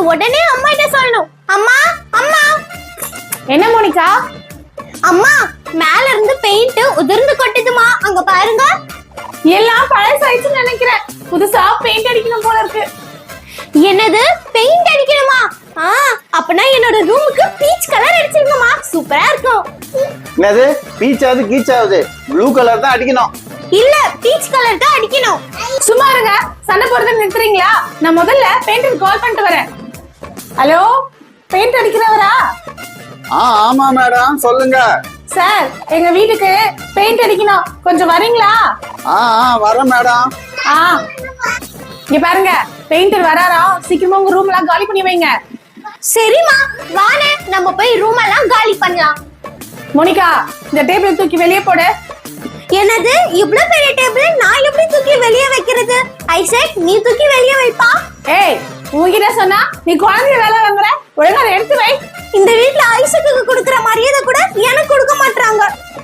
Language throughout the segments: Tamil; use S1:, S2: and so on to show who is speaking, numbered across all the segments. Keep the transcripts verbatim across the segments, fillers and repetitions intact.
S1: உடனே அம்மா கிட்ட சொல்லணும். அம்மா அம்மா.
S2: என்ன மோனிகா?
S1: அம்மா மேல இருந்து பெயிண்ட் உதிர்ந்து கொட்டுதுமா, அங்க பாருங்க.
S2: எல்லாம் பழசாயிடுச்சுன்னு நினைக்கிறேன். புதுசா பெயிண்ட் அடிக்கணும் போல இருக்கு.
S1: என்னது பெயிண்ட் அடிக்கணுமா? ஆ அப்பனா என்னோட ரூமுக்கு பீச் கலர் அடிச்சிருங்கம்மா, சூப்பரா இருக்கும்.
S3: என்னது பீச் ஆகுது கீச் ஆகுது? ப்ளூ கலர் தான் அடிக்கணும்.
S1: இல்ல பீச் கலர் தான் அடிக்கணும்.
S2: சும்மா இருங்க, சண்டை போடுறத நிறுத்துறீங்களா? நான் முதல்ல பெயிண்டர் கால் பண்ணிட்டு வரேன். Hello, paint அடிக்கிறவரா?
S3: ஆ ஆமா மேடம், சொல்லுங்க.
S2: சார், எங்க வீட்டுக்கு பெயிண்ட் அடிக்கணும், கொஞ்சம் வரீங்களா?
S3: ஆ ஆ வரேன் மேடம்.
S2: ஆ இங்க பாருங்க, பெயிண்டர் வராரா, சீக்கிரமா உங்க ரூம் எல்லாம் காலி பண்ணி வைங்க.
S1: சரிம்மா வானே, நம்ம போய் ரூம் எல்லாம் காலி பண்ணலாம்.
S2: மோனிகா, இந்த டேபிள் தூக்கி வெளியே போடு.
S1: என்னது இவ்ளோ பெரிய டேபிள் நான் எப்படி தூக்கி வெளியே வைக்கிறது? ஐசக், நீ தூக்கி வெளியே வைப்பா.
S2: ஏய், உன்கிட்ட சொன்னா நீ குழந்தை வேலை வாங்குற, ஒழுங்கா அதை எடுத்து வை.
S1: இந்த வீட்ல ஐசக்குக்கு கொடுக்கிற மரியாதை கூட எனக்கு கொடுக்க மாட்டாங்க.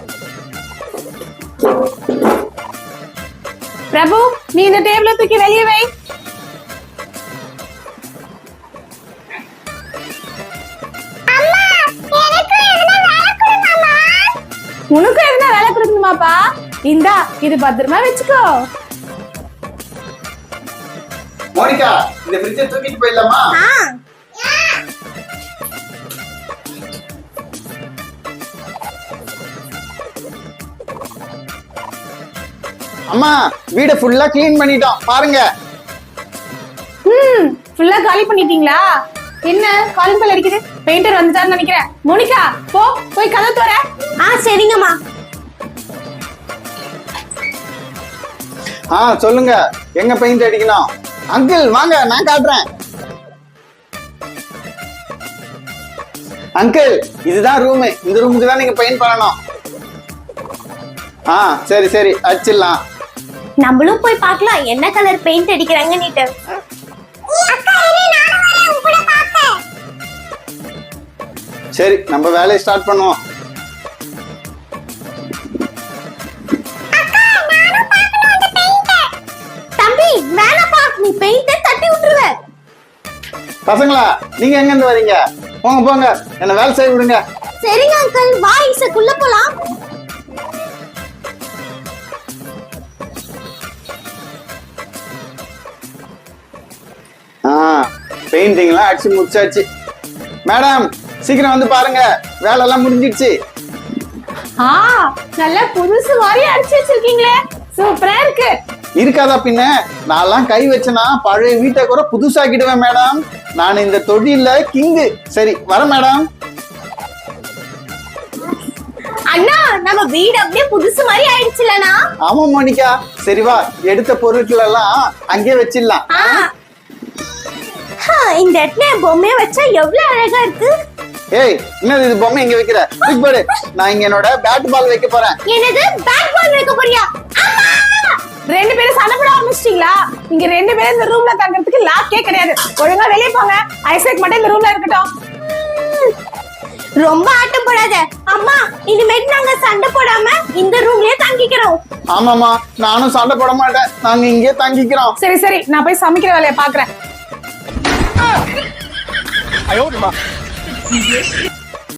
S2: பிரபு, நீ இந்த டேபிள தூக்கி வெளியே வை. உனக்கு எதுனா வேலை கொடுக்கணுமாப்பா? இந்தா, இது பத்திரமா வச்சுக்கோ.
S3: மோனிகா, இந்த ஃப்ரிட்ஜை தூக்கிட்டு போயிடலாமா? அம்மா, வீட ஃபுல்லா க்ளீன் பண்ணிட்டோம் பாருங்க.
S2: ம், ஃபுல்லா காலி பண்ணிட்டீங்களா? என்ன காலிங் பெல் அடிக்குது? பெயிண்டர் வந்துட்டாருன்னு நினைக்கிறேன். மோனிகா, போ போய் கதவு தோற.
S1: ஆ சரிங்கம்மா.
S3: ஆ சொல்லுங்க, எங்க பெயிண்ட் அடிக்கணும்? அங்கிள் வாங்க, நான் காட்டுறேன். அங்கிள், இதுதான் ரூம். இந்த ரூமுக்கு தான் நீங்க பெயிண்ட் பண்ணணும். ஆ சரி சரி, அடிச்சிடலாம்.
S1: நம்மளும் போய் பார்க்கலாம் என்ன கலர் பெயிண்ட் அடிக்கிறாங்கன்னு.
S3: சரி, நம்ம வேலையை ஸ்டார்ட் பண்ணுவோம்.
S1: தம்பி வேணாப்பா, நீ பெயிண்ட தட்டி விட்டுருவ.
S3: பசங்களா, நீங்க எங்க இருந்து வரீங்க? போங்க போங்க, என்ன வேலை செய்ய விடுங்க.
S1: சரிங்க அங்கிள், வா இசக்குள்ள போலாம்.
S3: ஆ பெயிண்டிங்லாம் அடிச்சு முடிச்சாச்சு. மேடம், சீக்கிரம் வந்து பாருங்க, வேலை எல்லாம் முடிஞ்சிடுச்சு.
S2: ஆ நல்ல புதுசு மாதிரி அடிச்சு வச்சிருக்கீங்களே, சூப்பரா இருக்கு.
S3: இருக்காதா பின்ன, நான்லாம் கை வச்சனா பழைய வீட்டை கூட புதுசாக்கிடுவேன் மேடம். நான் இந்த தொழில கிங்கு. சரி வர மேடம்.
S1: அண்ணா, நம்ம வீடு அப்படியே புதுசு மாதிரி ஆயிடுச்சுலனா?
S3: ஆமா மோனிகா, சரி வா, எடுத்த பொருட்கள் எல்லாம் அங்கே வச்சிடலாம்.
S1: இந்த இடத்துல பொம்மையை வச்சா எவ்வளவு அழகா இருக்கு.
S3: ஏய், என்னது இது பொம்மை எங்க வைக்கிற? பாரு, நான் இங்க என்னோட பேட் பால் வைக்க போறேன்.
S1: என்னது பேட் பால் வைக்க போறியா?
S2: ரெண்டு பேரும் சண்டை போட ஆரம்பிச்சிட்டீங்களா? நீங்க ரெண்டு பேரும் இந்த ரூம்ல தங்கறதுக்கு லாக்கே கிடையாது. ஒழுங்கா வெளியே போங்க. ஐசக் மட்டும் இந்த ரூம்ல இருக்கட்டும்.
S1: ரொம்ப ஆட்டம் போடாத அம்மா, இனிமேட்டு நாங்க சண்டை போடாம இந்த ரூம்லயே தங்கிக்கிறோம்.
S3: ஆமாமா, நானும் சண்டை போட மாட்டேன், நாங்க இங்கே தங்கிக்கிறோம்.
S2: சரி சரி, நான் போய் சமைக்கிற வேலையை பாக்குறேன்.
S4: ஐயோ